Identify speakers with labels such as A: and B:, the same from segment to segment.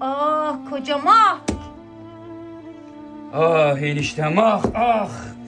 A: Ah kocam ah.
B: Ah eniştem ah ah.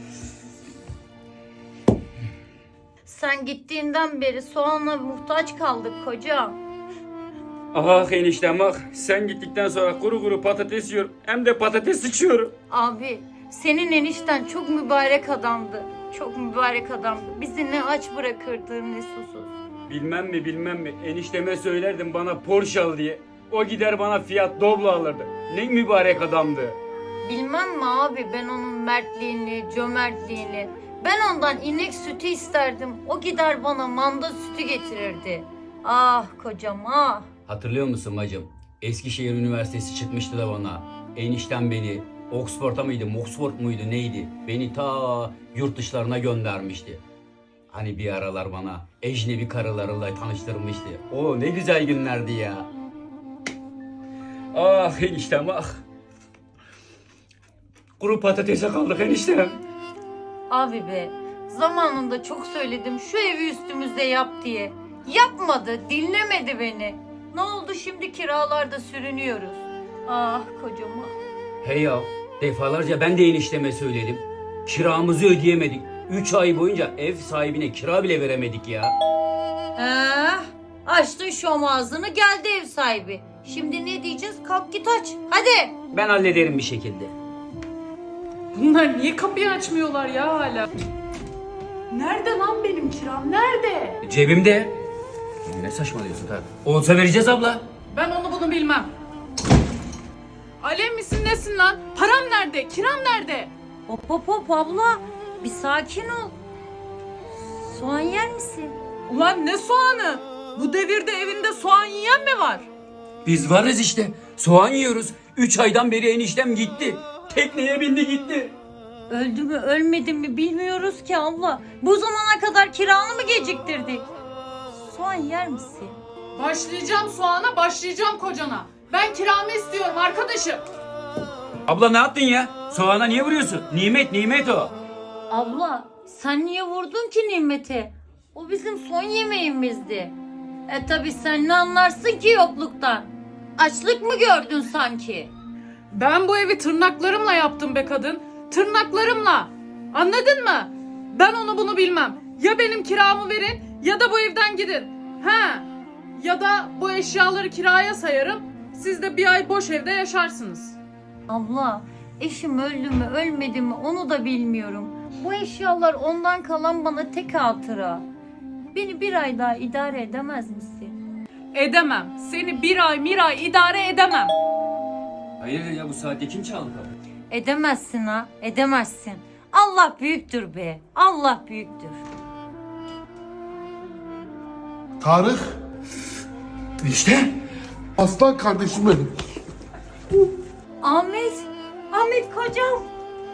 A: Sen gittiğinden beri soğana muhtaç kaldık kocam.
B: Ah eniştem ah. Sen gittikten sonra kuru kuru patates yiyorum. Hem de patates sıçıyorum.
A: Abi senin enişten çok mübarek adamdı. Çok mübarek adamdı. Bizi ne aç bırakırdı ne susuz.
B: Bilmem mi enişteme söylerdim bana Porsche al diye. O gider bana Fiat Doblo alırdı. Ne mübarek adamdı.
A: Bilmem mi abi, ben onun mertliğini, cömertliğini. Ben ondan inek sütü isterdim. O gider bana manda sütü getirirdi. Ah kocam ah.
B: Hatırlıyor musun bacım? Eskişehir Üniversitesi çıkmıştı da bana. Eniştem beni Oxford'a mıydı, Oxford muydu neydi? Beni ta yurt dışlarına göndermişti. Hani bir aralar bana ecnebi karılarıyla tanıştırmıştı. O ne güzel günlerdi ya. Ah eniştem ah. Kuru patatese kaldık eniştem.
A: Abi be, zamanında çok söyledim şu evi üstümüzde yap diye. Yapmadı, dinlemedi beni. Ne oldu şimdi, kiralarda sürünüyoruz. Ah kocam ah.
B: Hey ya, defalarca ben de enişteme söyledim. Kiramızı ödeyemedik. 3 ay boyunca ev sahibine kira bile veremedik ya.
A: Açtın şom ağzını, geldi ev sahibi. Şimdi ne diyeceğiz? Kalk git aç. Hadi.
B: Ben hallederim bir şekilde.
C: Bunlar niye kapıyı açmıyorlar ya hala? Nerede lan benim kiram? Nerede?
B: Cebimde. Ne saçmalıyorsun tabii. Olsa vereceğiz abla.
C: Ben onu bunu bilmem. Alev misin nesin lan? Param nerede? Kiram nerede?
A: Hop hop hop abla. Bir sakin ol. Soğan yer misin?
C: Ulan ne soğanı? Bu devirde evinde soğan yiyen mi var?
B: Biz varız işte. Soğan yiyoruz. 3 aydan beri eniştem gitti. Tekneye bindi gitti.
A: Öldü mü ölmedi mi bilmiyoruz ki abla. Bu zamana kadar kiranı mı geciktirdik? Soğan yer misin?
C: Başlayacağım soğana, başlayacağım kocana. Ben kiramı istiyorum arkadaşım.
B: Abla ne yaptın ya? Soğana niye vuruyorsun? Nimet o.
A: Abla sen niye vurdun ki Nimet'e? O bizim son yemeğimizdi. Tabi sen ne anlarsın ki yokluktan? Açlık mı gördün sanki?
C: Ben bu evi tırnaklarımla yaptım be kadın. Tırnaklarımla. Anladın mı? Ben onu bunu bilmem. Ya benim kiramı verin ya da bu evden gidin. Ha? Ya da bu eşyaları kiraya sayarım. Siz de bir ay boş evde yaşarsınız.
A: Abla eşim öldü mü ölmedi mi onu da bilmiyorum. Bu eşyalar ondan kalan bana tek hatıra. Beni bir ay daha idare edemez misin?
C: Edemem. Seni bir ay idare edemem.
B: Hayırdır ya, bu saatte kim çaldı kapıyı?
A: Edemezsin ha, edemezsin. Allah büyüktür be, Allah büyüktür.
D: Tarık,
B: İşte.
D: aslan kardeşim benim.
A: Ahmet, Ahmet kocam.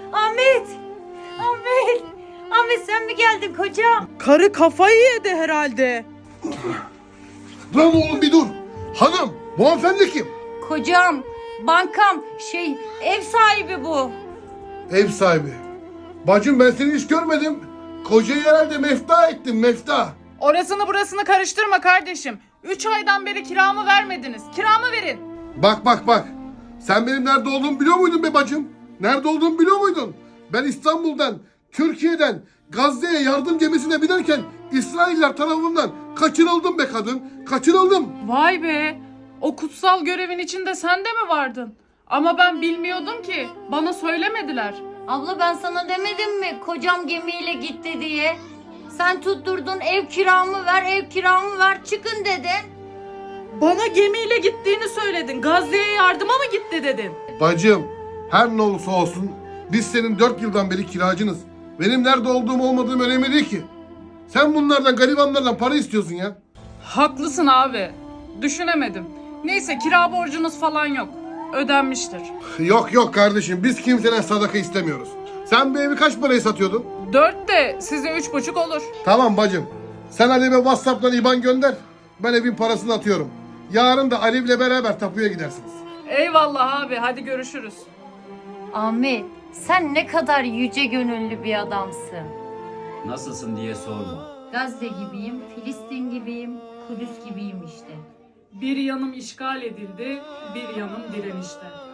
A: Ahmet sen mi geldin kocam?
C: Karı kafayı yedi herhalde.
D: Lan oğlum bir dur. Hanım, bu hanımefendi kim?
A: Kocam, bankam, ev sahibi bu.
D: Ev sahibi. Bacım ben seni hiç görmedim. Kocayı herhalde mefta ettin, mefta.
C: Orasını burasını karıştırma kardeşim. 3 aydan beri kiramı vermediniz. Kiramı verin.
D: Bak. Sen benim nerede olduğumu biliyor muydun be bacım? Nerede olduğumu biliyor muydun? Ben İstanbul'dan, Türkiye'den Gazze'ye yardım gemisine binerken İsrailler tarafından kaçırıldım be kadın. Kaçırıldım.
C: Vay be. O kutsal görevin içinde sen de mi vardın? Ama ben bilmiyordum ki. Bana söylemediler.
A: Abla ben sana demedim mi kocam gemiyle gitti diye? Sen tutturdun ev kiramı ver çıkın dedin.
C: Bana gemiyle gittiğini söyledin. Gazze'ye yardıma mı gitti dedin?
D: Bacım, her ne olursa olsun biz senin 4 yıldan beri kiracınız. Benim nerede olduğum olmadığım önemli değil ki. Sen bunlardan, garibanlardan para istiyorsun ya.
C: Haklısın abi. Düşünemedim. Neyse kira borcunuz falan yok. Ödenmiştir.
D: Yok kardeşim, biz kimseden sadaka istemiyoruz. Sen bu evi kaç paraya satıyordun?
C: 4 de size 3,5 olur.
D: Tamam bacım. Sen Alev'e WhatsApp'tan IBAN gönder. Ben evin parasını atıyorum. Yarın da Alev'le beraber tapuya gidersiniz.
C: Eyvallah abi, hadi görüşürüz.
A: Ahmet sen ne kadar yüce gönüllü bir adamsın.
B: Nasılsın diye sorma.
A: Gazze gibiyim, Filistin gibiyim, Kudüs gibiyim işte.
C: Bir yanım işgal edildi, bir yanım direnişte.